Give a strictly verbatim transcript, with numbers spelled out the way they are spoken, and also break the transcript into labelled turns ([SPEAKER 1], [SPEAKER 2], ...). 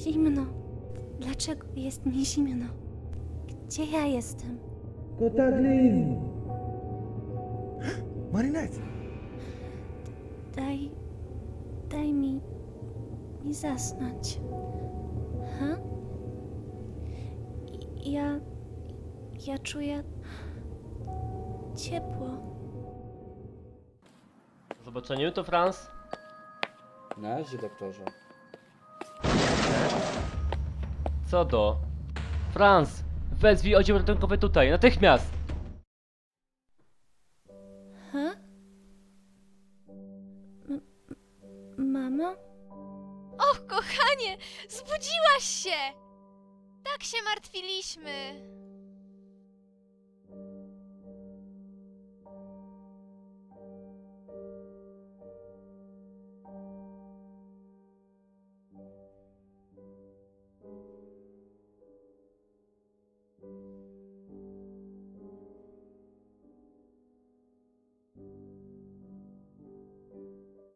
[SPEAKER 1] Zimno. Dlaczego jest mi zimno? Gdzie ja jestem?
[SPEAKER 2] Kataklizm! Marinette!
[SPEAKER 1] Daj... Daj mi... mi zasnąć. Ha? I- Ja... Ja czuję... ciepło.
[SPEAKER 3] Do zobaczenia, to Franz.
[SPEAKER 4] Na razie, doktorze.
[SPEAKER 3] Co do? Franz! Wezwij oddział ratunkowy tutaj, natychmiast!
[SPEAKER 1] Ha? M- mamo?
[SPEAKER 5] Och, kochanie, zbudziłaś się! Tak się martwiliśmy.